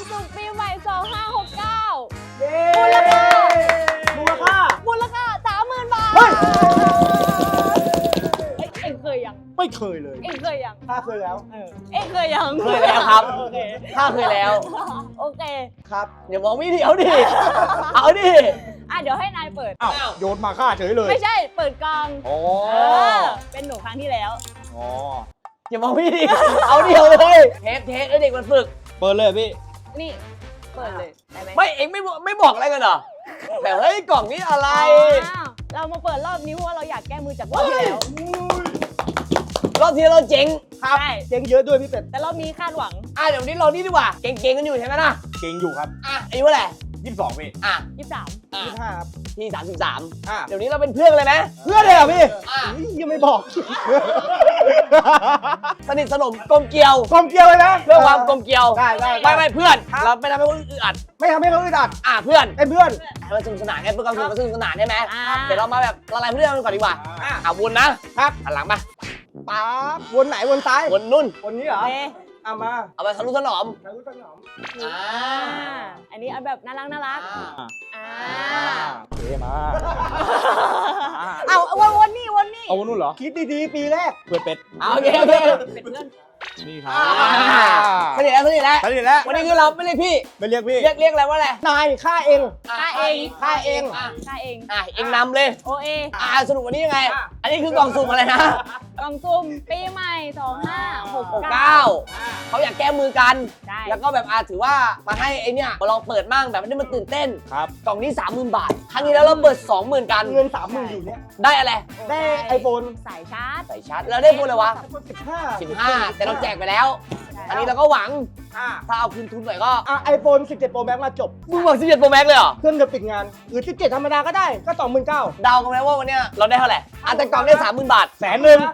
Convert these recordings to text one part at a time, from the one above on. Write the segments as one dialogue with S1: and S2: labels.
S1: สุขปีใหม่ 2569
S2: เย้
S1: มูลค่า
S2: มูลค่า
S1: 30,000 บาท
S2: เฮ้ย
S1: เอ็งเคยยัง
S3: ไม่เคยเลย
S1: เอ็งเคยยัง
S2: ถ้าเคยแล้ว
S1: เอ็งเคยยัง
S4: เคยแล้วครับ
S1: โอเค
S4: ถ้าเคยแล้ว
S1: โอเค
S2: ครับ
S4: อย่ามองไม่ดีเอาดิ เอาดิ
S1: เดี๋ยวให้นายเปิด
S3: อ้าวโยนมาฆ่าเฉยเลย
S1: ไม่ใช่ เปิดกล่อง
S3: อ๋อ
S1: เป็นหนูครั้งที่แล้ว
S3: อ๋อ
S4: อย่ามองไม่ดี เอาเดียวเลยเทปเด็กมันฝึก
S3: เปิดเลยพี่
S1: นี่ เปิดเลยได้ไหม
S4: ไม่เอ็งไม่บอกอะไรกันเหรอแบบเฮ้ยกล่องนี้อะไร
S1: อ้าวเรามาเปิดรอบนี้เพราะว่าเราอยากแก้มือจากรอบที่แล้ว
S4: รอบที่เราเจ๊ง
S2: ครับ
S1: ใช่
S2: เจ๊งเยอะด้วยพี่เป็ด
S1: แต่รอบนี้คาดหวัง
S4: เดี๋ยวนี้เรานี่ดีกว่า เก่งๆกันอยู่ใช่ไหมล่ะ
S3: เก่งอยู่ครับ
S4: อายุเท่าไหร่
S3: 22พี่
S1: 23
S2: 25ครับ
S4: พี่33
S2: อ่ะ
S4: เดี๋ยวนี้เราเป็นเพื่อนกันเลยไหม
S2: เพื่อนเลยเหรอพี่
S4: อ่ะ
S2: อุ๊ยยังไม่บอก
S4: สนิทสนมกลมเกลียว
S2: กลมเกลียวเลยนะ
S4: เพื่อความกลมเกลียว
S2: ได้
S4: ไม่เพื่อน
S2: ครับ
S4: เราไม่ทำให้คนอื่นอึดอัด
S2: ไม่ทำให้เขาอึดอัด
S4: เพื่อน
S2: เป็นเพื่อน
S4: ให้มันสนุกสนานไงเพื่อความสนุกสนานใช่ไหม
S1: อ่า
S4: เดี๋ยวเรามาแบบละลายพฤติกรรมกันก่อนดีกว่าวนนะครับ หันหลังมา
S2: ป๊าบวนไหนวนซ้าย
S4: วนนุ่น
S2: วนนี้เหรอ
S1: โอเค
S2: เอามา
S4: เอาไปทะลุถนอม
S2: ทางรู้ต้นหอม
S1: อันนี้เอาแบบน่ารักอ่า
S3: เท่มา
S1: เอาวนนี่
S3: เอาวันนู้นเหรอ
S2: คิดดีๆปีแรก
S3: เปิดเป็ด
S4: โอเค
S1: เป็นเพื่อน
S3: นี่ครับ
S4: สนิทแล้ว
S3: สนิทแล้ว
S4: วันนี้คือเราไม่เรียกพี่
S3: ไม่เรียกพี่
S4: เรียกอะไรว่าอะไร
S2: นายฆ่าเอง
S1: ฆ่าเอง
S2: ฆ่าเอง
S1: ฆ่าเอง
S4: เองนำเลย
S1: โอเอ
S4: สรุปวันนี้ยังไง อันนี้คือกล่องสุ่มอะไรนะ
S1: กล่องซุ่มปีใหม่ 2569
S4: 9เขาอยากแก้มือกัน
S1: ใช่
S4: แล้วก็แบบถือว่ามาให้ไอเนี่ยมาลองเปิดมั่งแบบไม่ได้มาตื่นเต้น
S3: ครับ
S4: กล่องนี้ 30,000 บาท ครั้งนี้แล้วเราเปิด 20,000 กัน
S2: เงิน30,000อยู่เนี่ย
S4: ได้อะไร
S2: ได้ไอโฟน
S1: สายชาร์จ
S4: ใส่ชาร์จแล้วได้พูดเลยวะ
S2: 15
S4: 15 แต่เราแจกไปแล้ว อันนี้เราก็หวัง ถ้าเอาคืนทุนหน่อยก็
S2: ไอโฟน17 Pro Max มาจบ
S4: มึงหวัง17 Pro Max เลยเหรอ
S2: เครื่องจะปิดงาน หรือ17ธรรมดาก็ได้ ก็ 29,000
S4: เดากันไหมว่าวันเนี้ยเราได้เท่าไหร่แต่กล่องได้ 30,000 บาท
S3: 100,000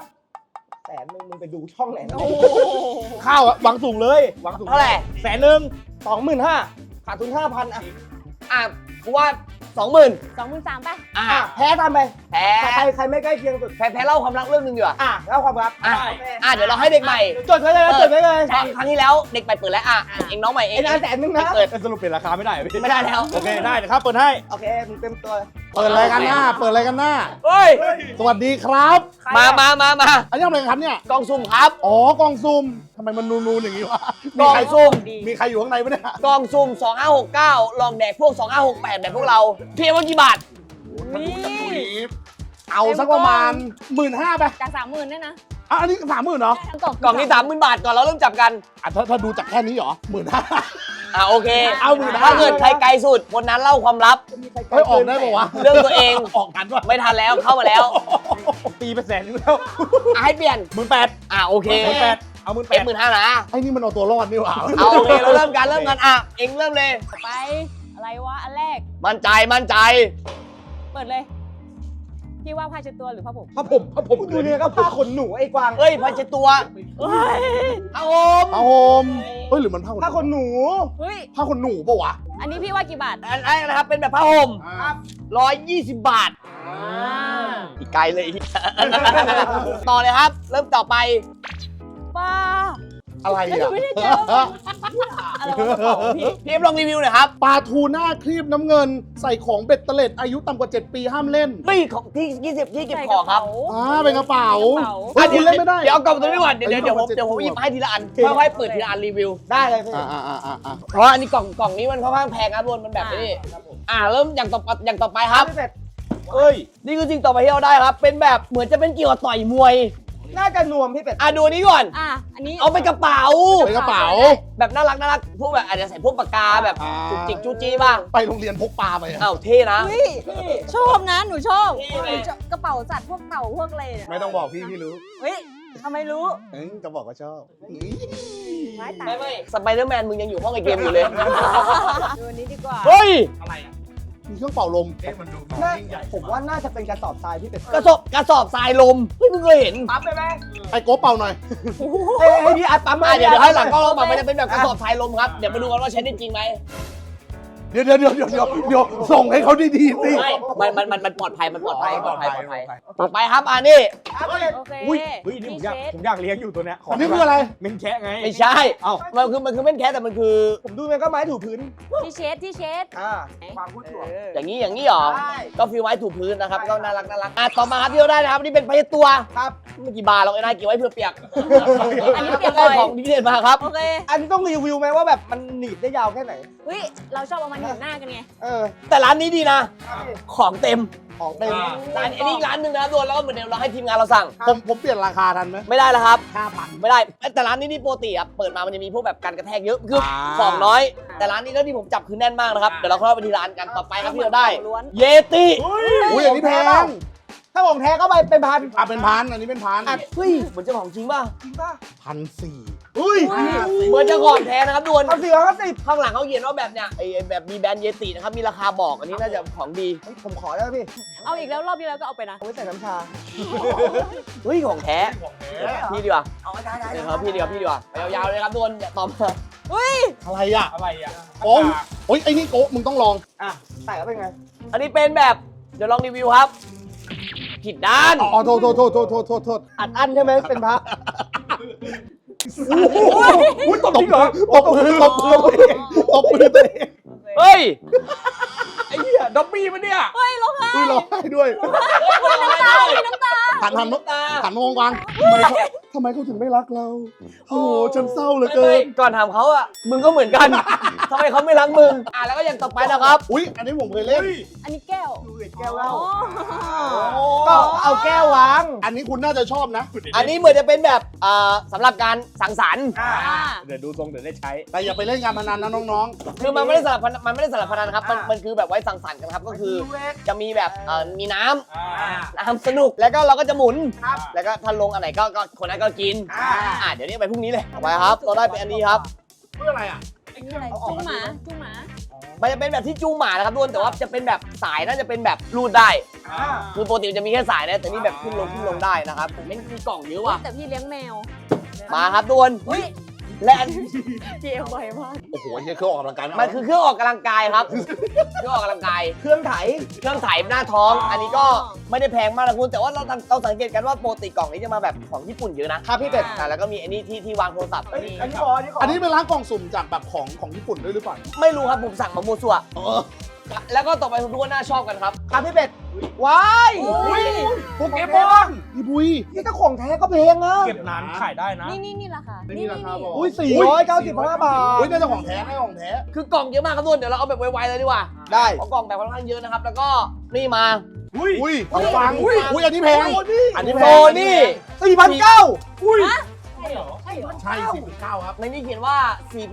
S2: 100,000มึงไปดูช่องไหนนะ
S3: ข้าวอะหวังสูงเลยหวังสูง
S4: เท่าไหร่
S3: 100,000
S2: 25,000ขาดทุน 5,000
S4: กูว่า 20,000
S1: 23,000ป่ะ
S2: แพ้ตามไป
S4: แพ้
S2: ใครไม่ใกล้เคียงสุด
S4: แพ้เล่าความรักเรื่องหนึงดีกว่า
S2: แล้วความรัก
S4: เดี๋ยวเราให้เด็กใหม่
S2: จดไว้เลยจดไว้เลย
S4: ครั้งที่แล้วเด็กใหม่เปิดแล้วเองน้องใหม่เอง
S2: ไอ้นาน100,000นะ
S4: เปิด
S3: สรุปเปลี่ยนราคาไม่ได้เหรอพี่
S4: ไม่ได้แล้ว
S3: โอเคได้เดี๋ยวครับเปิดให้
S2: โอเคมึงเต็มตัว
S3: เปิดอะไรกันหน้า เปิดอะไรกันหน้า
S4: เฮ้ย
S3: สวัสดีครับ
S4: มา
S3: อันนี้ทำอะไรกันครับเนี่ย
S4: กล่องสุ่มครับ
S3: อ๋อกล่องซุ่มทำไมมันนูนๆอย่างนี้วะ
S4: กล่องซุ่ม
S3: มีใครอยู่ข้างในปะเนี่ย
S4: กล่องสุ่ม2569 ลองแดกพวก 2568 แบบพวกเรา เพียงว่ากี่บาท
S1: นี่
S3: เอาสักประมาณ 15,000ไป
S1: จาก 30,000เนี่ยนะ
S3: อันนี้30,000เหรอ
S1: ทั้งกล่อง
S4: กล่องนี้ 30,000 บาทก่อนเราเริ่มจับกัน
S3: ถ้าดูจากแค่นี้เหรอ15,000
S4: โอเค
S3: เอา15,000
S4: ถ้าเกิดใครไกลสุดคนนั้นเล่าความลับ
S3: เฮ้ยออกได้ปะวะ
S4: เรื่องตัวเอง
S3: ออกกันวะ
S4: ไม่ทันแล้วเข้ามาแล้ว
S3: ตีไป100,000อยู่แล้ว
S4: ให้เปลี่ยน
S3: 18,000
S4: โอเค
S3: เอา
S4: เอ็ม
S3: 18,000
S4: 15,000นะ
S3: ไอ้นี่มันเอาตัวรอดนี่หว่า
S4: เอาโอเคเราเริ่มกันเองเริ่มเลย
S1: ไป อะไรวะ อันแรก
S4: มั่นใจ
S1: เปิดเลย พี่ว่าผ้าเช็ดตัวหรือผ้าผม
S3: พระผม
S2: ดูเนี่ยก็ผ้าขนหนูไอ้กวาง
S4: เอ้ยพันเจดตัว
S1: เฮ้ย
S4: เอาอม
S3: ผ้าห่มเฮ้ยหรือมันผ้า
S2: ผ้าขนหนู
S1: เฮ้ย
S3: ผ้าขนหนูปะวะ
S1: อันนี้พี่ว่ากี่บาท
S4: อันนี้นะครับเป็นแบบผ้าห่ม120 บาท อีกไกลเลย ต่อเลยครับ เริ่มต่อไป
S1: ป้า
S3: อะไร
S1: แล้วหนู
S3: อ่ะ
S1: ไม่ได้เจออะไรวะกระเป๋าพี่
S4: พี่เอ็มลองรีวิวหน่อยครับ
S3: ปลาทูน่าครีบน้ำเงิน ใส่ของเบ็ดเตล็ดอายุต่ำกว่า 7 ปีห้ามเล่น
S4: เฮ้ยของที่20ที่เก็บของครับ
S3: เป็นกระเป๋า
S1: กระเป๋า
S3: เฮ้ยคุณเล่นไม่ได้
S4: เดี๋ยวเอากล่องตัวนี้ก่อนเดี๋ยวผมหยิบให้ทีละอันค่อยๆเปิดทีละอันรีวิว
S2: ได้เลยพี่
S4: เพราะอันนี้กล่องนี้มันค่อนข้างแพงครับบนมันแบบนี้เริ่มอย่างต่อไปครับ
S2: พี่เป็ด
S3: เอ้ย
S4: นี่คือสิ่งต่อไปที่เราได้ครับ เป็นแบบเหมือนจะเป็นเกี่ยวกับต่อยมวย
S2: น่าจะนวมพี่เป็ด
S4: ดูอันนี้ก่อน
S1: อันนี้
S4: เอาเป็นกระเป๋า
S3: เป็นกระเป๋า
S4: แบบน่ารักพวกแบบอาจจะใส่พวกปากกาแบบจุกจิกจูจี้บ้าง
S3: ไปโรงเรียนพกปลาไปอะ
S4: เท่นะ
S1: เฮ้ยชอบนะ หนูชอบ
S4: นี่เลย
S1: หนูชอบกระเป๋าสัตว์พวกเต่าพวกอะไรเนี่ย
S3: ไม่ต้องบอกพี่รู้
S1: เฮ้ยทำไมรู้
S3: จะบอกว่าชอบ
S1: ไม่ตาย
S4: ไม่สไปเดอร์แมนมึงยังอยู่ห้องไอเกมอยู่เลย
S1: ดูอันนี้ดีกว่า
S4: เฮ้ย
S3: มีเครื่องเป่าลม
S2: ผมว่าน่าจะเป็นกระสอบทรายพี่เป็ด
S4: กระสอบทรายลมเฮ้ยมึงเคยเห็น
S2: ปั๊มได้ไหม
S3: ไอ้โก้เป่าหน่อย
S2: ให้พี่อัดปั๊มมา
S4: เดี๋ยวให้หลังกล้องเราแบบมันจะเป็นแบบกระสอบทรายลมครับเดี๋ยวมาดูกันว่าใช้ได้จริงไหม
S3: เดี๋ยวส่งให้เขาดีๆสิ
S4: ไม่มันปลอดภัยมันปลอดภัยปลอดภัยต่อไปครับอันนี้
S1: โอเค
S2: อุ้ย
S1: พี่
S2: นี่
S1: เชษ
S2: ผมอยากเลี้ยงอยู่ตัวเนี้ย
S3: อันนี้คืออะไร
S2: เมนแคะไง
S4: ไม่ใช่มันคือเม่นแคสแต่มันคือ
S2: ผมดูมันก็ไม้ถูพื้น
S1: พี่เชษ
S2: ความพูดถั่ว
S4: อย่างนี้เหรอ
S2: ใช่
S4: ก็ฟิลไว้ถูพื้นนะครับก็น่ารักต่อมาครับที่เราได้นะครับนี่เป็นพยตัว
S2: ครับ
S4: ไม่กี่บาทหรอกไอ้นายเก็บไว้เพื่อเปียก
S1: อันนี้เปียก
S4: ได้
S1: บ่อย
S4: ของดีเด่นมาครับ
S1: โอเค
S2: อันนี้ต้องรีวิวไหมว่าแบบมันหนีบได้ยาวแค่ไหน
S1: เฮ้ยเราชอบเอามันหนุนหน้ากันไง
S4: แต่ร้านนี้ดีนะ ของเต็ม
S2: ของเต็ม
S4: ร้านอันนี้อีกร้านหนึ่งนะโดนแล้วก็เหมือนเดิมเราให้ทีมงานเราสั่ง
S3: ผมเปลี่ยนราคาทันไหม
S4: ไม่ได้แล้วครับ
S3: 5,000
S4: ไม่ได้แต่ร้านนี้นี่ปกติครับเปิดมามันจะมีพวกแบบการกระแทกเยอะคือของน้อย แต่ร้านนี้เท่าที่ผมจับคือแน่นมากนะครับเดี๋ยวเราเข้าไปที่ร้านกันต่อไปครับที่เราได้
S1: ล้วน
S4: เยติ
S3: อุ้ยอันนี้แพง
S2: ถ้าของแท้ก็ไปเป็นพัน
S3: เป็นพันอันนี้เป็นพัน
S4: เฮ้ยเหมือนเจ้าของจริงป่ะ
S2: จริงป่ะ
S3: 1,400
S2: อุ้ย
S4: เหมือนเจ้าของแท้นะครับดวน
S2: 1,450
S4: ข้างหลังเขาเขียนว่าแบบเนี้ยไอ้แบบมีแบรนด์เยตินะครับมีราคาบอกอันนี้น่าจะของดี
S2: ผมขอได้ไหมพี่
S1: เอาอีกแล้วรอบที่แล้วก็เอาไปนะ
S2: เอาไว้ใส่น้ำชา
S4: เฮ้ยของแท้พี่ดีกว่าเดี๋ยวครับพี่ดีกว่าไปยาวๆเลยครับดวนอย่าตอบมา
S3: อะไรอ่ะ
S2: อะไรอ่ะ
S3: โอ้ยไอ้นี่โกะมึงต้องลอง
S2: ใส่แล้วเป็นไง
S4: อันนี้เป็นแบบเดี๋ยวลองรีวิวครับ ผิดด้าน
S3: อ๋อโทษ
S2: อัดอั้นใช่ไหมเป็นพระ
S3: อุ้ยตบมือตบมือตัวเอง
S4: เฮ้ย
S2: ไอ้เหี้ยด็อบบี้มันเนี่ย
S1: เฮ้ยร้องไห้
S3: อุ้ยร้องไห้ด้วย
S1: น้ำตา
S3: หัน
S4: น้ำตา
S3: มามองวางทำไมเขาถึงไม่รักเรา โอ้โหฉันเศร้าเหลือเกิ
S4: ไม่
S3: น
S4: ก่อนถามเขาอ่ะมึงก็เหมือนกันทำไมเขาไม่รักมึงแล้วก็อย่างต่อไปนะครับ
S3: อุ้ยอันนี้ผมเคยเล่น
S1: อันนี้แก้ว
S2: แก้วเหล้า
S1: อ๋อ
S2: ก็เอาแก้ววาง
S3: อันนี้คุณน่าจะชอบนะ
S4: อันนี้เหมือนจะเป็นแบบสำหรับการสังสรรค์
S2: เดี๋ยวดูทรงเดี๋ยวได้ใช้
S3: แต่อย่าไปเล่นการพนันนะน้อง
S4: คือมันไม่ได้สลับพนันครับมันคือแบบไว้สังสรรค์กันครับก็คือจะมีแบบมีน้ำสนุกแล้วก็เราก็จะหมุนแล้วก็ถ้าลงอันไหนก็คนนั้นก็กินเดี๋ยวนี้ไปพรุ่งนี้เลยไปครับเราได้เป็นอันนี้ครับ
S3: ๆเพื่ออะไรอ่ะ
S1: อันนี้อะไรจุ้งหมา
S4: มันจะเป็นแบบที่จูงหมานะครับทุกคนแต่ว่าจะเป็นแบบสายน่าจะเป็นแบบรูดได้ คือปกติมันจะมีแค่สายนะแต่นี่แบบขึ้นลงได้นะครับผมไม่มีกล่องเยอะว่ะ
S1: แต่พี่เลี้ยงแมว
S4: มาครับทุกคนและอัน
S1: เกี่ยวบ่อยมาก
S3: โอ้โหไอ้เหี้ยเครื่องออกกำลังกาย
S4: มันคือเครื่องออกกำลังกายครับ เครื่องออกกำลังกาย
S2: เครื่องไถ
S4: เครื่องไถหน้าท้อง อันนี้ก็ไม่ได้แพงมากนะคุณแต่ว่าเราสังเกตกันว่าปกติกล่องนี้จะมาแบบของญี่ปุ่นเยอะนะครับ
S2: พี่เป็ด
S4: แล้วก็มีอันนี้ที่วางโทรศัพท์
S2: อัน
S4: นี่
S2: นี้ขออันนี้ขอ
S3: อันนี้เป็นร้านกล่องสุ่มจากแบบของญี่ปุ่นด้วยหรือเปล่า
S4: ไม่รู้ครับผมสั่งมามั่วซั่ว
S3: เออ
S4: แล้วก็ต่อไปทุกคนน่าชอบกันครับ
S2: ครับพี่เป็ดว้าย
S1: อุ้ย
S2: โปเกมอน
S3: พี่บุย
S2: นี่ถ้าของแท้ก็เพลงอ่ะ
S5: เก็บนานขายได้นะ
S1: นี่ราคา
S3: นี่ราคาบอก
S2: อุ้ย495 บาท
S3: อุ้ยน่าจะของแท้น่าจะของแท้
S4: คือกล่องเยอะมากครับทุกคนเดี๋ยวเราเอาแบบไวๆเลยดีกว่า
S2: ได้
S4: เพราะกล่องแบบค่อนข้างเยอะนะครับแล้วก็นี่มา
S3: อุ้ยของฟังอุ้ยอันนี้แพงอันนี้แพ
S4: โซ
S3: ง
S4: นี่
S2: 4,900
S5: อุ้ย
S1: ใช่เหรอใช่เหรอ
S3: ใช่19ครับ
S4: ในนี้เขียนว่า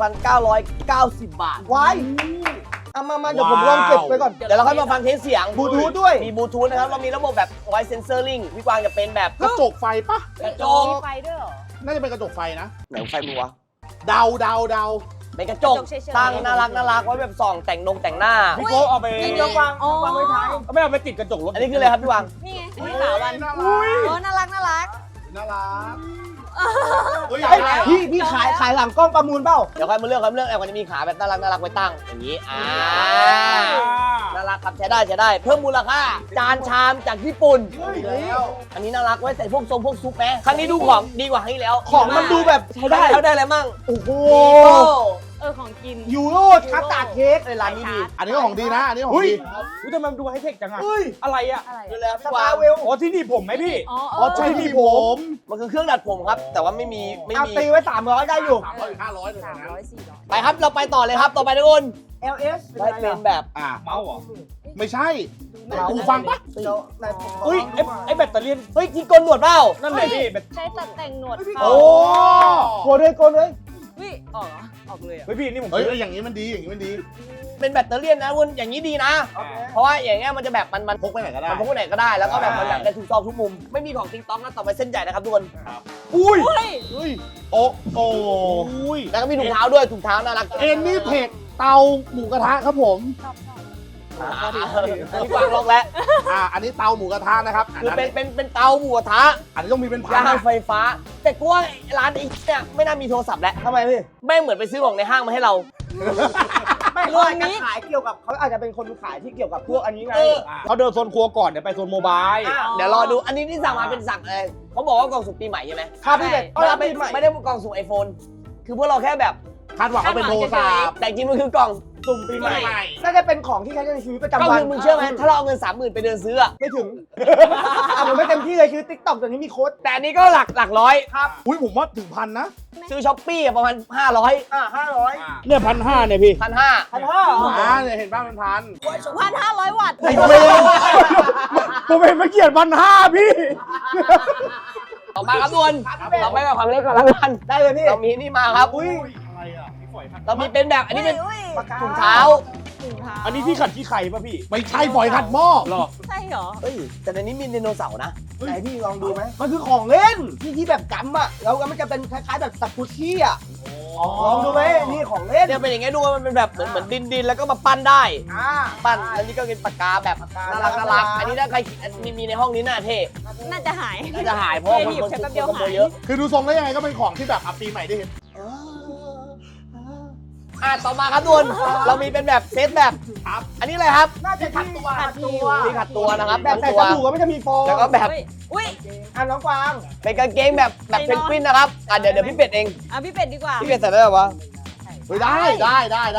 S4: 4,990 บาท
S2: ว้ายเอามาเดี๋ยวผมลองเก็บไว้ก่อน
S4: เดี๋ยวเราค่อยมาฟังเทสเสียง
S2: บลูทูธด้วย
S4: มีบลูทูธนะครับ เรามีระบบแบบไวเซนเซอร์ลิงพี่กวางจะเป็นแบบ
S3: กระจกไฟปะ
S4: กระจก
S1: มีไฟด้วยเหรอ
S3: น่าจะเป็นกระจกไฟนะ
S4: ไหนไฟมึงวะ
S3: เดา
S4: เป็นกระจก
S1: กระจกเฉยๆ
S4: ตั้งน่ารักไว้แบบส่องแต่งหน้า
S5: พี่โก้เอาไป
S1: นี่
S2: เดี๋ยววาง
S1: อ๋อ
S2: วางไว้ท้าย
S5: ไม่เอาไปติดกระจกรถ
S4: อันนี้คืออะไรครับพี่กวาง
S1: นี่ไงนี่ขาวัน
S3: น่า
S1: น่ารัก
S3: รัก เฮ้ย
S2: เฮ้ยพี่ขายหลังกล้องประมูลเปล่า
S4: เดี๋ยวค่อยมาเลือกครับเลือกแอลมันจะมีขาแบบน่ารักไว้ตั้งอย่างนี้น่ารักครับใช้ได้เพิ่มมูลค่าจานชามจากญี่ปุ่น อันนี้น่ารักไว้ใส่พวกพวกซุปไหมครั้งนี้ดูของดีกว่าครั้งที่แล้ว
S2: ของมันดูแบบใช้ได้
S4: แล้วได้อะไรมั่ง
S2: โอ้โห
S1: ของกิน
S2: ยูโรคัสตาร์ดเค้ก
S4: ร้านนี้ดี
S3: อันนี้ก็ของดีนะ อันนี้ของ
S5: อุ้ย
S3: ดี
S5: อุ้ยทำไมมันดูไฮเทคจังอะ
S2: เฮ้ย
S5: อะไรอะ
S1: อะไร
S4: ดู
S1: อะ
S4: แล
S2: ส
S4: พี่ก
S2: ปาว
S4: าง
S2: เวล
S5: อ๋อที่นี่ผมไหมพี่
S1: อ๋อ
S3: อ๋อใช่ที่ผม
S4: มันคือเครื่องดัดผมครับ แต่ว่าไม่มี
S2: เอาตีไว้300ได้อยู่
S3: 300 500เลย
S1: 300
S3: นะ
S1: 400
S4: ไปครับเราไปต่อเลยครับต่อไปทุกคน
S2: LS
S4: ได้เป็นแบบ
S5: เมาส์เหรอ
S3: ไม่ใช่หูฟังปะ
S5: อุ้ยไอ้แบตเตอรี่
S4: เฮ้ยที่โกนหนวดเปล่า
S5: นั่นเลยพี่แบต
S1: ใช้ตัดแต่งหนวด
S3: โอ้
S2: โกนเลย
S1: วิออกเหรอออกเลยอ่ะ
S5: เฮ้ยพี่นี่ผม
S3: เฮ้ยอย่างนี้มันดี อย่างนี้มันดี
S4: เป็นแบตเตอรี่นะคุณอย่างนี้ดีนะ เพราะว่าอย่างเงี้ยมันจะแบบมัน
S3: พกไปไหนก็ได้
S4: มันพกไปไหนก็ได้แล้วก็แบบมันแบบได้ทุกซอกทุกมุม ไม่มีของติ๊งต้องนะต่อไปเส้นใหญ่นะครับทุกคน
S5: อุ้ย
S1: เฮ้ย
S3: เฮ้ย โอ้โอ้ย
S4: แล้วก็มีถุงเท้าด้วยถุงเท้าน่ารัก
S3: เอ็นนี่เทคเตาหมูกระทะครับผม
S1: ชอบ
S4: พี่กวางลอกแล้ว
S3: อันนี้เตาหมูกระทะนะครับ
S4: คือเป็นเตาหมูกระทะ
S3: อันนี้ต้องมีเป็นพัน
S4: ย่าง
S3: นะ
S4: ไฟฟ้า แต่กูว่าร้านนี้เนี่ยไม่น่ามีโทรศัพท์แล้ว
S2: ทำไมพี่
S4: แม่งเหมือนไปซื้อของในห้างมาให้เรา
S2: ไม่เขาอาจจะขายเกี่ยวกับเขาอาจจะเป็นคนขายที่เกี่ยวกับพวกอันนี้ไง
S5: เขาเดินโซนครัวก่อนเดี๋ยวไปโซนโมบาย
S4: เดี๋ยวรอดูอันนี้ที่สั่งมาเป็นสั่งอะไรเขาบอกว่ากล่องสุ่มปีใหม่ใช่ไหม
S2: ครับพี่เป็ด
S4: ไม่ได้กล่องสุ่ม iPhone คือพวกเราแค่แบบ
S3: คาดหวังว่าเป็นโทรศัพท์
S4: แต่จริงมันคือกล่อง
S2: สุ่มปีใหม่น่าจะเป็นของที่ใช้ในชีวิตประจำ
S4: ก็
S2: วัน
S4: คือมึงเชื่อไหมถ้าเราเอาเงิน 30,000 ไปเดินซื้ออะ
S2: ไม่ถึงผมไม่เต็มที่เลยคือ TikTok ตัวนี้มีโค้ด
S4: แต่อันนี้ก็หลักร้อย
S3: อุ้ยผมว่าถึงพันนะ
S4: ซื้อช้อปปี้ประมาณ 500
S2: 500
S5: เนี่ย1,500เนี่ยพี่
S4: 1,500
S2: 1,500
S3: เนี่ยเห็นบ้างเป็นพัน
S1: 1,500 วัตต์
S3: ไอ้เวผมเห็นเมื่อกี้1,500พี่
S4: ต่อมาครับทุกคนเราไปกับความเล็กก่อนแล้วกัน
S2: ได้เลยพี่
S4: เรามีนี่มาครับ
S2: อุ้ย
S5: อะไรอ่ะพี่ฝอยครับ
S4: เรามีเป็นแบบอันนี้เป็น
S2: ปากกา
S4: ถุงเท้า
S1: ถุงเท้า
S5: อันนี้ที่ขัดที่ไข่ป่ะพี่
S3: ไม่ใช่ฝอยขัดหม้อ
S5: หรอ
S1: ใช่เหรอ
S4: เอ้ยแต่ในนี้มีไดโนเสาร์นะ
S2: ไหนพี่ลองดูไหมมันคือของเล่นที่แบบกำอ่ะแล้วมันจะเป็นคล้ายๆแบบสัตว์พุชชี่อ่ะลองดูไหมนี่ของเล่น
S4: เนี่ยเป็นอย่างเงี้ยดูมันเป็นแบบเหมือนดินแล้วก็มาปั้นได้
S2: อ่า
S4: ปั้นแล้วนี่ก็เป็นปากกาแบบน่ารักอันนี้ถ้าใครมีในห้องนี้น่าเท่
S1: น่าจะหาย
S4: น่าจะหายเพราะว่าคน
S1: ใช้แป๊บเดียว
S4: ขโม
S1: หาย
S4: เยอะ
S3: คือดูทรงแล้วยังไงก็เป็นของที่แบบปีใหม่ได้เห็น
S4: ต่อมาครับทุกคนเรามีเป็นแบบเซตแบบอันนี้อะไรครับ
S2: น่าจะขัดตัว
S4: ที่ขัดตัวนะครับ
S2: แบบใส่
S4: ตัว
S2: สบู่ก็ไม่จะมีโฟม
S4: แล้วก็แบบ
S1: อุ้ย
S2: น้องกวาง
S4: เป็นกางเกงแบบเพนกวินนะครับเดี๋ยวพี่เป็ดเอง
S1: พี่เป็ดดีกว่า
S4: พี่เป็ดใส่ได้ไหมวะ
S3: เฮ้ยได้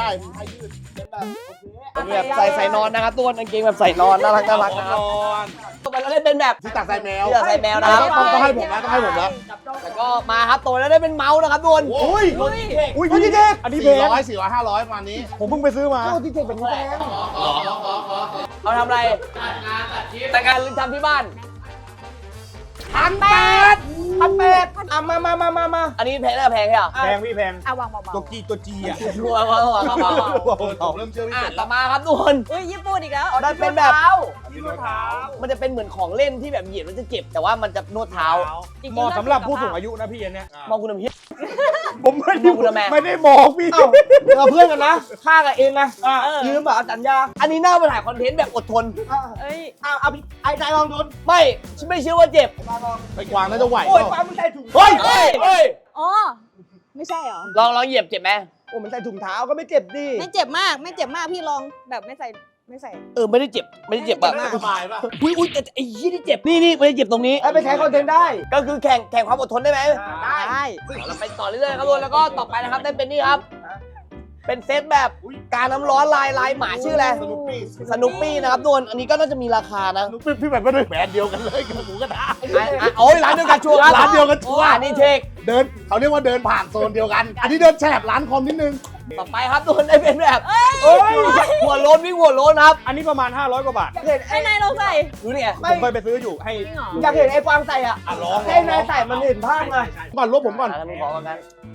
S4: แบบใส่นอนนะครับตัวกางเกงแบบใส่นอนน่ารักนะครับต่อไปเราได้เป็นแบบ
S3: ที่ตักใส่แมว
S4: ที่ใส่แมวนะครับ
S3: ต้องให้ผมนะต้องให้ผมนะ
S4: แล้วก็มาครับตัวแล้วได้เป็นเมาส์นะครับทุกคน
S3: อุ้ย
S2: อุ้ยพี่เจ๊
S5: อันนี้เพลง
S3: 400 400 500ประมาณนี้
S5: ผมเพิ่งไปซื้อมา
S2: โอ้ที่เจ๊เป็นแพง
S4: เอาทำอะไรแต่งงานหรือทำที่บ้าน
S2: 1,800มา
S4: อันนี้แพงน่าแพงใช่เหรอ
S5: แพงพี่แพง
S1: เอาวางเบา
S5: ตัวจีอ่ะ
S4: รัวๆ
S3: ผมเริ่มเชื่อพี่เป็ด
S4: ต่อมาครับทุกคน
S1: ๆอุ้ยญี่ปุ่นอีกแล้ว
S4: ได้เป็นแบบ
S2: ที่รองเท้า
S4: มันจะเป็นเหมือนของเล่นที่แบบเหยียบแล้วจะเจ็บ แต่ว่ามันจะนวดเท้า
S5: เหมาะสำหรับผู้สูงอายุนะพี่อันเนี้ย
S4: มองคุณทำเพี้ย
S5: ผมไม่
S4: มองคุณทำแม่
S5: ไม่ได้บอกพี่
S2: เอ้าเราเพื่อนกันนะข้ากับเองนะ
S1: เออ
S2: ยืมแบบสัญญา
S4: อันนี้น่าไปถ่ายคอนเทนต์แบบอดทน
S1: เอ้ย
S2: เอาไอ้ใจลองดู
S4: ไม่เชื่อว่าเจ็บ
S3: ไปกวางน่าจะไหว
S2: โอ้ยปลามันใส่ถุง
S3: เฮ้ย
S4: เฮ้ย
S1: อ๋อ ไม่ใช่เหรอ
S4: ลองเหยียบเจ็บไหม
S2: โอ้มันใส่ถุงเท้าก็ไม่เจ็บดิ
S1: ไม่เจ็บมาก ไม่เจ็บมาก พี่ลองแบบไม่ใส่
S4: ไม่ได้เจ็บแบบ
S3: สบายป่ะ
S4: อุ้ยแต่ไอ้ยี่นี่เจ็บนี่ไม่ได้เจ็บตรงนี้
S2: ไปใช้คอนเทนต์ได้
S4: ก็คือแข่งความอดทนได้ไหม
S2: ได้
S4: เราไปต่อเรื่อยๆครับทุกคนแล้วก็ต่อไปนะครับได้เป็นนี่ครับ เป็นเซตแบบการน้ำร้อนลายหมาชื่ออะไร
S3: สนุปปี้
S4: สนุปปี้นะครับทุกคนอันนี้ก็น่าจะมีราคานะ
S3: พี่แบบไม่ได้แบรนด์เดียวกันเลยกับหมูกระทะ
S4: โอ้ยร้านเดียวกันชัวร์ครับ
S3: ร้านเดียวกันชัวร์
S4: อันนี้เช็ค
S3: เดินเขาเรียกว่าเดินผ่านโซนเดียวกัน อันนี้เดินแฉบร้านคอมนิดนึง
S4: ต่อไปครับทุกคนได้เป็นแบบหัวโล้นวิ่งหัวโล้นครับ
S5: อันนี้ประมาณ500 กว่าบาท
S2: เห็น
S1: ให้นายลองใส่
S4: ดูนี่ไง
S5: ผมเคยไปซื้ออยู่ให้
S1: จริงเหรอ
S2: อยากเห็นไอ้กวางใส่อ่ะ
S3: ลอง
S2: ให้นายใส่มันเห็นภาพไง
S3: ก่อนลบผมก่อน
S4: แล้วมึงขอกัน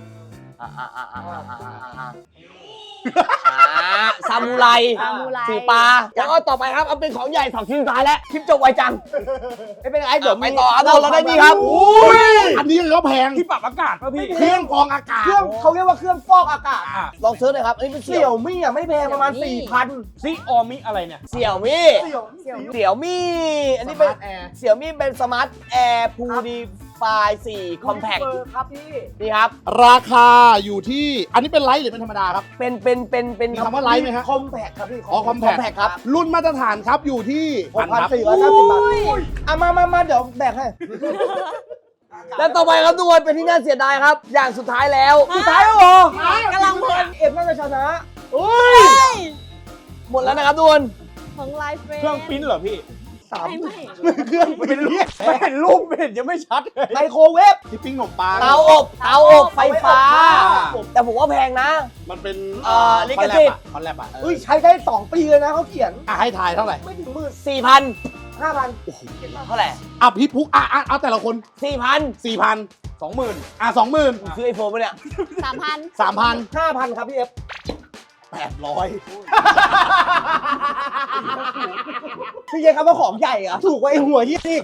S4: ซามูไร
S1: ซามูไร
S4: ถือปลาแล้วก็ต่อไปครับเอาเป็นของใหญ่สองชิ้นสุดท้ายแล้วคลิปจบไวจัง
S2: ไม่เป็นไรเดี๋ยว
S4: ไปต่อครับเราได้นี่ครับ
S3: อันนี้ก็แพง
S5: ที่ปรับอากาศป่ะพี่
S3: เครื่องกรองอากาศ
S2: เครื่องเขาเรียกว่าเครื่องฟอกอากาศ
S4: ลองเซิร์ชหน่อยครับอันนี้เป็น
S2: เสี่ยวมี่อ่ะไม่แพงประมาณ 4,000
S5: ซิออมิอะไรเนี่ย
S4: เสี่ยวมี่
S2: เสี่ยว
S4: เสี่ยวมี่อันนี้เป็น
S3: แอร์
S4: เสี่ยวมี่เป็นสมาร์ทแอร์พูดีไฟ4คอมแพค
S2: ครับพี่
S4: นี่ครับ
S3: ราคาอยู่ที่ อันนี้เป็นไลท์หรือเป็นธรรมดาครับ
S4: เป็น
S3: มีคำว่าไลท์ไหมฮะ
S2: คอมแพคครับพี่
S3: อ๋อคอมแพ
S4: คอมแพคครับ
S3: รุ่นมาตรฐานครับอยู่ที่
S2: 6,490 บาทอ่ะมาเดี๋ยวแบกให้
S4: และต่อไปครับทุกคนเป็นที่น่าเสียดายครับ อย่างสุดท้ายแล้ว
S2: สุดท้ายแล้วเหรอก
S1: ำลังเพลิน
S2: เอ็มน่าจะชนะ
S4: หมดแล้วนะครับทุกคน
S1: ของไลฟ์เฟร
S5: เครื่องปริ้นเหรอพี่
S1: ไม่
S3: เครื่องเป็นเรียก
S5: ไม่เห็นรูปไม่เห็นยังไม่ชัดเลย
S2: ไมโครเวฟ
S3: ที่ปิ้งขนมปัง
S4: เตาอบไฟฟ้า แต่ผมว่าแพงนะ
S3: มันเป็น
S4: ลิขสิทธิ์
S3: คอนแลบอ่ะ
S2: อุ้ยใช้ได้ 2 ปีเลยนะเขาเขียน
S3: ให้ทายเท่าไหร่
S2: ไม่ถึงหมื่น
S4: 4,000
S2: 5,000
S4: เท่าไหร่
S3: อ่ะพี่พุกเอาแต่ละคน
S4: 4,000
S3: 4,000 20,000 20,000
S4: ซื้อไอโฟนปะเนี่ย
S1: 3,000
S3: 3,000
S2: 5,000 ครับพี่เอฟ
S3: 800
S2: พี่เยครับว่าของใหญ่เหรอะถูกกว่าไอ้หัวยี่อีก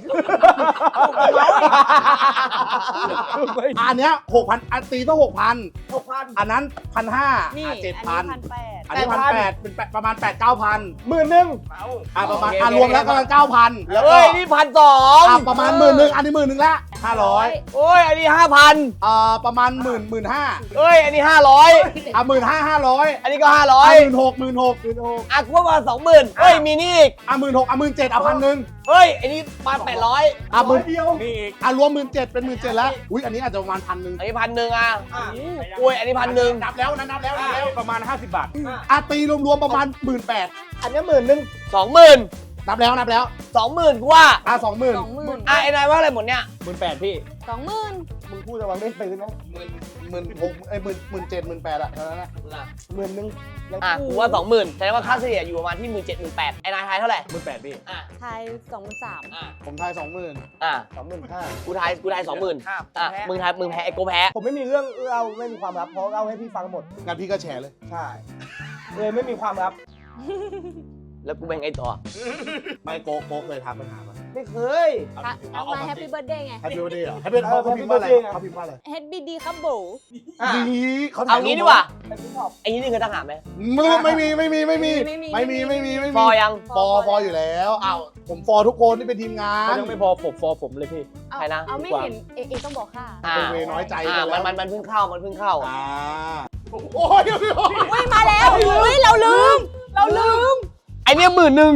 S3: อันเนี้ย6,000อันตีต้อง 6,000
S2: 6,000
S3: อันนั้น 1,500
S1: นี่
S3: 7,000
S1: อันนี้
S3: อันนี้ 1,800 เป็นประมาณ 8-9,000
S2: 10,000
S3: ประมาณ
S4: โอเค
S3: รวมแล้วประมาณ 9,000 แล้วก็
S4: เฮ้ย นี่1,200
S3: ประมาณ 10,000 อันนี้ 10,000 แล้ว 500
S4: โอ้ยอันนี้ 5,000
S3: ประมาณ15,000
S4: เอ้ยอันนี้ 500
S3: 15,500
S4: อันนี้ก็
S3: 16,000
S4: 500อ่ะกูว่ามา20,000เฮ้ยมีนี่อีก
S3: 16,000 17,000
S4: เฮ้ยอันนี้มา800
S3: 10,000
S2: เดียว
S5: นี่อีก
S3: รวม17,000เป็น17,000แล้วอุ้ยอันนี้อาจจะประมาณ1,000
S4: อันนี้1,000อ่ะอุ้ยอันนี้1,000
S3: นับแล้วนะนับแล้ว
S5: ประมาณ 50 บาท
S3: ตีรวมๆประมาณ 18,000
S2: อันนี้10,000
S4: 20,000
S3: นับแล้ว
S4: 20,000กูว่า
S3: 20,000
S1: 20,000
S4: อ่ะไอ้นายว่าอะไรหมดเนี่ย
S5: 18,000พี่
S1: 20,000
S2: มึงพูดระวังได้ซื้อนะ
S3: 17,000 เท่านั้นนะ
S2: 10,000แล้ว
S4: อ่ะกูว่า 20,000แสดงว่าค่าเฉลี่ยอยู่ประมาณที่ 17,000 ไอ้นายทายเท่าไหร่
S5: 18,000พี่
S4: อ่ะ
S1: ไทย23,000
S4: อ่ะ
S3: ผมทาย 20,000
S4: อ่ะ
S2: 25,000
S4: กูทาย20,000อ่ะมึงแพ้ไอ้โกแพ้
S2: ผมไม่มีเรื่องเล่าไม่มีความลับเพราะเล่าให้พี่ฟังหมด
S3: งั้นพี่ก็แชร์เลย
S2: ใช่เลยไม่มีความลับ
S4: แล้วกูแบ่งไอ้ต่อ
S3: ไม่โกเคยทักปัญหาป่ะ
S2: ไม่เคย
S1: เอามาแฮปปี้เบิร์ดเดย์ไง
S3: แฮปปี้เบิร์ดเดย์เหรอแฮปปี้เขาพิมพ์ว่าอะไรเขาพิมพ์ว่าอะไร
S1: เฮดบีดีครับโบ
S3: ดีเขา
S4: เอางี้ดีกว่า
S2: เป็นพี่ชอบ
S4: ไอ้นี่คือทหารไหม
S3: ไม่มี
S4: ฟอยัง
S3: ฟออยู่แล้วอ้าวผมฟอทุกคนที่เป็นทีมงา
S5: เขา
S3: น
S5: ยังไม่พอผมเลยพี่
S1: เอา
S4: ใครนะ
S1: เอาไม่เห็นเอต้องบอกค่ะ
S4: อ่า
S3: เป็นเวน้อยใจ
S4: อ่า
S3: กันแล้ว
S4: มันเพิ่งเข้า
S3: อ่าโอ้ย
S1: อุ้ยมาแล้วอุ้ยเราลืม
S4: ไอเนี้ย10,000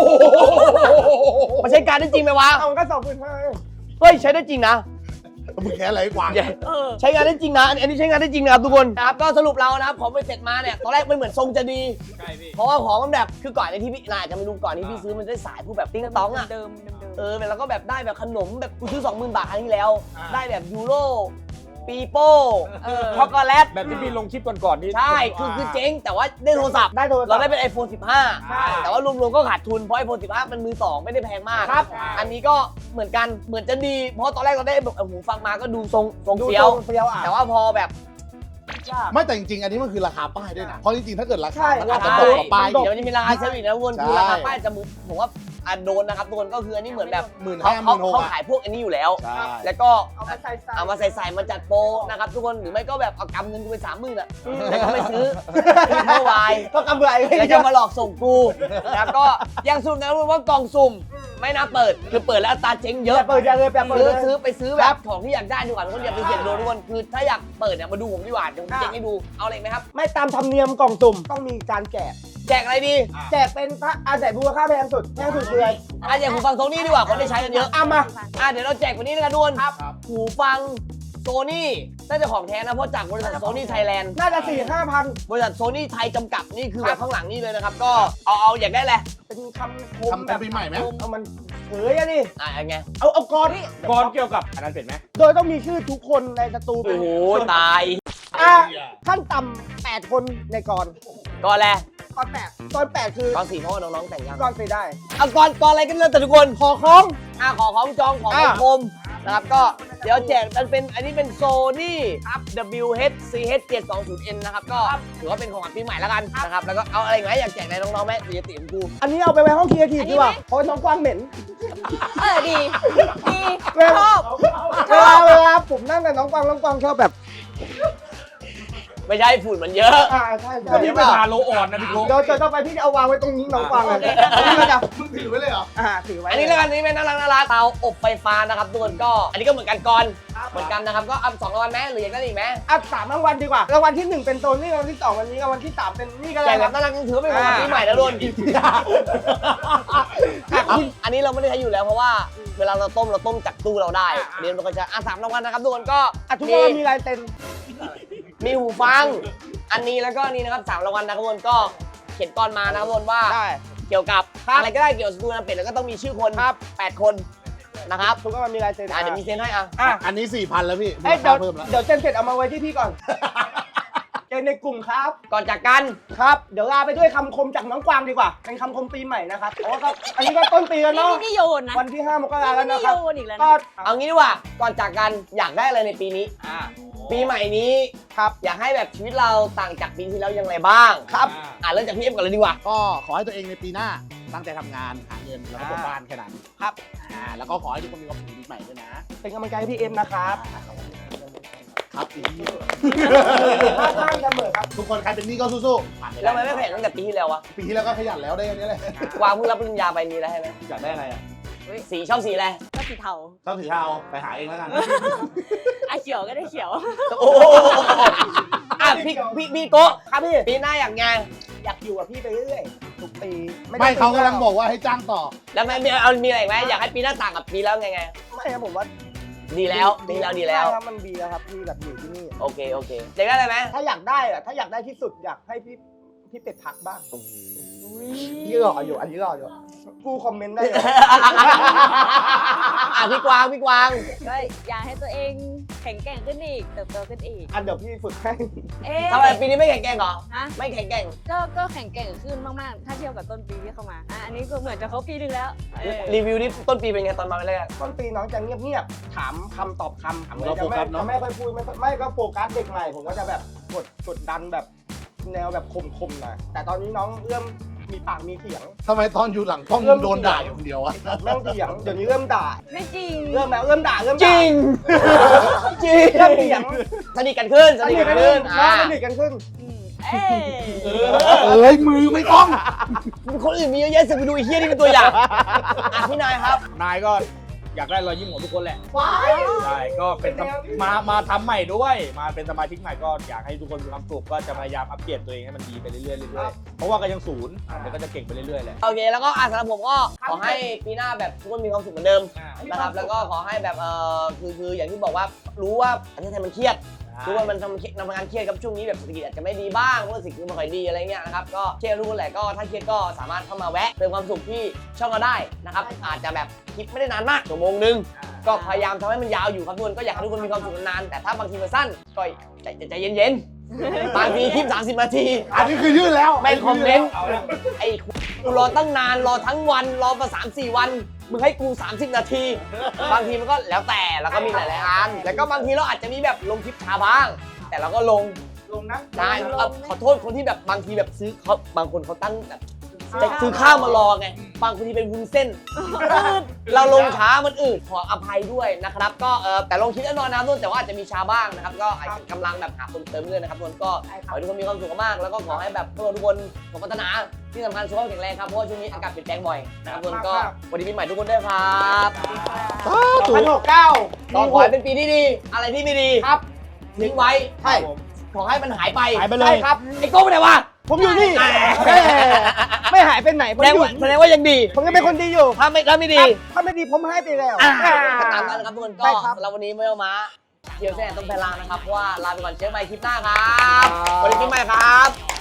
S4: มันใช้การได้จริงไหมวะ
S2: เอาก็25,000
S4: เฮ้ยใช้ได้จริงนะ
S3: มึงแค่อะไรกว่า
S1: เออ
S4: ใช้งานได้จริงนะ อันนี้ใช้งานได้จริงนะครับทุกคนนะครับก็สรุปเรานะครับของไปเสร็จมาเนี่ยตอนแรกมันเหมือนทรงจะดี
S5: ใช่พี่
S4: เพราะว่าของมันแบบคือก่อนในที่พี่นายจะไม่รู้ก่อนที่พี่ซื้อมันได้สายพวกแบบติ้งต้องอ่ะ
S1: เดิม
S4: แล้วก็แบบได้แบบขนมแบบกูซื้อ 20,000 บาทครั้งที่แล้ว ได้แบบยูโรปีโป้
S1: เออ
S4: ช็อกโกแลต
S5: แบบที่พี่ลงคลิปก่อนๆนี่
S4: ใช่คือเจ๊งแต่ว่าได้โทรศัพท์
S2: ได้โทรศัพท์
S4: เราได้เป็น iPhone
S2: ใช่
S4: 15 แต่ว่ารวมๆก็ขาดทุนเพราะ iPhone 15 มันมือสองไม่ได้แพงมาก
S2: ครับ
S4: อันนี้ก็เหมือนกันเหมือนจะดี เพราะตอนแรกเราได้แบบหูฟังมาก็ดูทรง
S2: ดู
S4: เฟี้ยว
S2: เฟี้ยวอ่ะ
S4: แต่ว่าพอแบบ
S3: ไม่แต่จริงๆอันนี้มันคือราคาป้ายด้วยนะเพราะจริงๆถ้าเกิดรา
S2: ใช่
S3: คามันอาจจะ
S4: ใช่
S3: ตกกว่าป้าย
S4: เดี๋ยวมันจะมีราคาเซอร์วิสนะทุกคนคือ
S3: ใช่
S4: ราคาป้ายจะผมว่าโดนนะครับทุกคนก็คืออันนี้เหมือนแบบ
S3: 15,000
S4: เขา
S3: 16,000
S4: ขายพวกอันนี้อยู่แล้ว
S3: ใช่
S4: แล้วก็
S2: เอามาใส่
S4: เอามาใส่มาจัดโปรนะครับทุกคนหรือไม่ก็แบบเอากำเงินกูไป30,000อ่ะแล้วก็ไม่ซื้อเมื่อวาย
S2: ก็กำไร
S4: แล้วจะมาหลอกส่งกูนะครับก็ยังสุ่มนะว่ากล่องสุ่มไม่น่าเปิดคือเปิดแล้วอัตราเจ๊งเย
S2: อย่า
S4: อะ
S2: เปิดอย่าเลยอย่าเปิดเลย
S4: ซื้อแบบของที่อยากได้ดีกว่าทุกคนอย่าไปเสี่ยงโดนทุกคนคือถ้าอยากเปิดเนี่ยมาดูผมดีกว่าเดี๋ยวผมเจ๊งให้ดูเอาอะไรไหมครับ
S2: ไม่ตามธรรมเนียมกล่องสุ่มต้องมีการแจก
S4: แจกอะไรดี
S2: แจกเป็นพระอาศัยมูลค่าแพงสุดคืออะไร
S4: อ่ะอย่างหูฟังโซนี่ดีกว่าคนได้ใช้กันเยอะ
S2: เอามา
S4: เดี๋ยวเราแจกวันนี้นะครับทุกคนหูฟังโซนี่น่าจะของแท้นะเพราะจากบริษัทโซนี่ไทยแลนด์
S2: น่าจะ 4-5,000
S4: บริษัทโซนี่ไทยจำกัดนี่คือแบบข้างหลังนี่เลยนะครับก็เอาอยากได้แหละ
S2: เป็นคำคม
S3: ทำเป็นปีใหม่ไหม
S2: เอามันเฮ้ยอะดิ
S4: ไง
S2: เอากรนี่
S5: ก่อนเกี่ยวกับอันนั้นเป็นไหม
S2: โดยต้องมีชื่อทุกคนในสตู
S4: โอ้โหตาย
S2: ขั้นต่ำ8 คนในกร
S4: ก่อนแหละ
S2: กร8กร8คือ
S4: ก่อนสี่เพราะว่าน้องๆแต่งยัง
S2: กร4ได้
S4: เอาก่อนอะไรกันเลยแต่ทุกคน
S2: ขอของ
S4: ขอของจองของคมนะครับก็เดี๋ยวแจกมันเป็นอันนี้เป็นโซนี่ WHCH 720N นะครับก็ถือว่าเป็นของขวัญปีใหม่แล้วกันนะครับแล้วก็เอาอะไรอีกไหมอยากแจกอะไรน้องๆไหมสีติของกู
S2: อันนี้เอาไปไว้ห้องครีเอทีฟดีกว่าเพราะน้องกวางเหม็น
S1: ดี
S2: เวลา
S1: ชอบ
S2: เวลาผมนั่งกับน้องกวางชอบแบบ
S4: ไม่ใช่ฝุ่นมันเยอะ
S2: ใช่
S5: วันนี้เป็นฮาโลออนนะพี่โก้
S2: เดี๋ยวจะต้องไปพี่เอาวางไว้ตรงนี้น้องกวางเลยนี่ก็จะ
S3: มึงถือไว้เลยเหรอ
S2: ถือไว้
S4: อันนี้แล้วกันนี่เป็นน่ารักเตาอบไฟฟ้านะครับทุกคนก็อันนี้ก็เหมือนกันก่อนเหมือนกันนะครับก็เอา2 รางวัลไหมหรืออยากได้อีกไหม
S2: 3 รางวัลดีกว่ารางวัลที่ 1 เป็นโซนนี่รางวัลที่ 2 วันนี้รางวัลที่ 3 เป็นนี่ก็
S4: แจ
S2: ได้
S4: กแบบน่ารักถือว่าเป็นของขวัญปีใหม่แล้วทุกคนอันนี้เราไม่ได้ใช้อยู่แล้วเพราะว่าเวลาเราต้มจากตู้เราได้เดี๋ยวเราก็จะ3 รางวัลนะครับทุกคนก็
S2: ทุกคนมีลายเซ็น
S4: มีหูฟังอันนี้แล้วก็นี่นะครับ3 รางวัลนะครับทุกคนก็เขียนก่อนมานะครับทุกคนว่า
S2: ได้
S4: เกี่ยวกับอะไรก็ได้เกี่ยวกับสตูดิโอเป็ดแล้วก็ต้องมีชื่อคน8 คนนะครับ
S2: ทุกคนมีลายเซ็น
S4: เดี๋ยวมีเซ็นให้อ่ะ
S3: อันนี้ 4,000 แล้วพี่
S2: เอ้ย
S3: มูลค่าเพิ่มแล้ว
S2: เดี๋ยวเซ็นเสร็จเอามาไว้ที่พี่ก่อนเจนในกลุ่มครับ
S4: ก่อนจากกัน
S2: ครับ เดี๋ยวลาไปด้วยคำคมจากน้องกวางดีกว่า เป็นคำคมปีใหม่นะครับโอ้ครับอันนี้ก็ต้นปีแล้วเนาะ
S1: นี่โยนนะ
S2: วันที่ 5 มกราแล้ว
S1: นี่
S2: นะครับ
S1: โยนอีกแล้ว
S2: ก็
S1: นะ
S4: เอางี้ดีกว่าก่อนจากกันอยากได้อะไรในปีนี้ปีใหม่นี้ครับอยากให้แบบชีวิตเราต่างจากปีที่แล้วยังไงบ้าง
S2: ครับ
S4: เริ่มจากพี่เอ็มก่อนเลยดีกว่า
S3: ก็ขอให้ตัวเองในปีหน้าตั้งใจทำงานหาเงินแล้วก็ปลดบ้านแค่นั้น
S2: ครับ
S3: แล้วก็ขอให้ทุกคนมีความสุขปีใหม่ด้วยนะ
S2: เป็นกำลังใจให้พี่เอ็มนะครับ
S3: ครับอีก
S2: ข้างเสมอครับ
S3: ทุกคนใครเป็นหนี้ก็สู้ๆผ่านไป
S4: แล้วทำไมไม่ขยันตั้งแต่ปีที่แล้ววะ
S3: ปีที่แล้วก็ขยันแล้วได้แค่นี้แหละ
S4: กวางเพิ่งรับปริญญาไปมีอะไรให้ไหม
S5: อยากได้อะไรอ่ะ
S4: สีชอบสีอะไร
S1: ก็สีสีเทา
S6: ชอบสีเทาไปหาเองแล้วกัน
S1: อ่ะเขียวก็ได้เขียว
S4: โอ้โหอ่ะพี่โก้ครับพี่ปีหน้าอย่างไง
S2: อยากอยู่กับพี่ไปเรื่อยๆทุกปี
S3: ไม่เขากำลังบอกว่าให้จ้างต่อ
S4: แล้วมีอะไรอีกไหมอยากให้ปีหน้าต่างกับปีแล้วไง
S2: ไม่ครับผมว่า
S4: ดีแล้วดีแล้ว
S2: ใช่ครับมันดีแล้วครับพี่แบบอยู่ที่นี่
S4: โอเคอยากได้อะไรไหม
S2: ถ้าอยากได้อะถ้าอยากได้ที่สุดอยากให้พี่เป็ดพักบ้างพี่หล่ออยู่อันนี้หล่ออยู่กูคอมเมนต์ได้เลย
S4: อ่ะพี่กวาง
S1: ก็อยากให้ตัวเองแข็งแกร่งขึ้นอีกเติบโตขึ้นอีก
S2: อันเดี๋ยวพี่ฝึกให้
S1: เอ๊ะ
S4: ทำไมปีนี้ไม่แข็งแกร่งเหรอ
S1: ฮะ
S4: ไม่แข็งแกร่ง
S1: ก็แข็งแกร่งขึ้นมากๆ ถ้าเทียบกับต้นปีที่เข้ามาอันนี้ก็เหมือนจะครบปีนึงแล้วเออ
S4: รีวิวนี่ต้นปีเป็นไงตอนมาแรก
S2: ต้นปีน้องจะเงียบๆถามคำตอบคำ
S6: เราโฟกัสเนอะ
S2: จะไม่ค่อยพูดไม่ก็โฟกัสเด็กใหม่ผมก็จะแบบกดดันแบบแนวแบบคมๆหน่อยแต่ตอนนี้น้องเริ่มมีปากมีเสียง
S3: ทำไมตอนอยู่หลังกล้องโดนด่าอยู่คนเดียวอะ
S2: เริ่มเถียงเดี๋ยวนี้เริ่มด่า
S1: ไม่จริง
S2: เริ่มแล้วเริ่มด่าเริ่ม
S4: จ
S2: ด่า
S4: ริง จริง
S2: เริ่มเถียง
S4: สนิทกันขึ้น
S2: สนิทกันขึ้นสนิทกันขึ้น
S1: เอ้ย
S3: เอ้ยมือไม่ต้อง
S4: คนอื่นมีเยอะแยะสิไปดูไอ้เฮี้ยนี่เป็นตัวอย่างอ่ะพี่นายครับ
S5: นายก็อยากได้รอยยิ้มของทุกคนแหละใช่ก็เป็นมาทำใหม่ด้วย มาเป็นสมาชิกใหม่ก็อยากให้ทุกคนมีความสุขก็จะพยายามอัปเกรดตัวเองให้มันดีไปเรื่อยๆเรื่อยๆเพราะว่าก็ยังศูนย์เดี๋ยวก็จะเก่งไปเรื่อยๆแหละ
S4: โอเคแล้วก็สำหรับผมก็ขอให้ปีหน้าแบบทุกคนมีความสุขเหมือนเดิมนะครับแล้วก็ขอให้แบบคืออย่างที่บอกว่ารู้ว่าประเทศไทยมันเครียดรู้ว่ามันทำงานเครียดกับช่วงนี้แบบเศรษฐกิจอาจจะไม่ดีบ้างเพราะว่าสิ่งที่ไม่ค่อยดีอะไรเงี้ยนะครับก็เครียดรู้แหละก็ถ้าเครียดก็สามารถเข้ามาแวะเติมความสุขที่ช่องเราได้นะครับอาจจะแบบคลิปไม่ได้นานมากชั่วโมงนึงก็พยายามทำให้มันยาวอยู่ครับทุกคนก็อยากให้ทุกคนมีความสุขนานๆแต่ถ้าบางทีมันสั้นก็ใจเย็นๆบางทีคลิป30 นาที
S3: อันนี้คือยื่นแล้ว
S4: ไม่คอมเมนต์ไอ้กูรอตั้งนานรอทั้งวันรอมา3-4 วันมึงให้กู30 นาที บางทีมันก็แล้วแต่แล้วก็มีหลายๆอันแล้วก็บางทีเราอาจจะมีแบบลงคลิปช้าบ้าง แต่เราก็ลง
S2: นะ
S4: ได้ขอโทษคนที่แบบบางทีแบบซื้อเขาบางคนเขาตั้งแบบจะซื้อข้าวมารอไงบางคนที่เป็นวุ้นเส้น เราลงช้ามันอืดขออภัยด้วยนะครับก็แต่ลงคลิปแน่นอนนะทุกคนแต่ว่าอาจจะมีช้าบ้างนะครับก็อาจจะกำลังแบบหาคนเติมเงินนะครับทุกคนก็ขอให้ทุกคนมีความสุขมากแล้วก็ขอให้แบบพวกเราทุกคนสมพัฒนาที่สำคัญสุขภาพแข็งแรงครับเพราะว่าช่วงนี้อากาศเปลี่ยนแปลงบ่อยนะครับทุกคนก็วันนี้ปีใหม่ทุกคนด้วยครับ
S2: 2069
S4: ก็ขอให้เป็นปีที่ดีอะไรที่ไม่ดี
S2: ครับ
S4: ทิ้งไว้
S2: ใช่
S4: ขอให้มันหายไป
S5: หายไปเลย
S2: ใช่ครับ
S4: ไอ้โก้ไปไหนวะ
S2: ผมอยู่นี่ไม่หายไปไหนผม
S4: แสดงว่ายังดี
S2: ผมยังเป็นคนดีอยู่
S4: ถ้าไม่ดี
S2: ถ้าไม่ดีผมให้ไปแล้ว
S4: ก็ตามนั้นนะครับทุกคนก็
S2: ใช่ครับ
S4: เราวันนี้ไม่เอามาเที่ยวแซ่ต้นแพลางนะครับเพราะว่าลาไปก่อนเจอกันใหม่คลิปหน้าครับ
S2: ครับ
S4: วันนี้ปีใหม่ครับ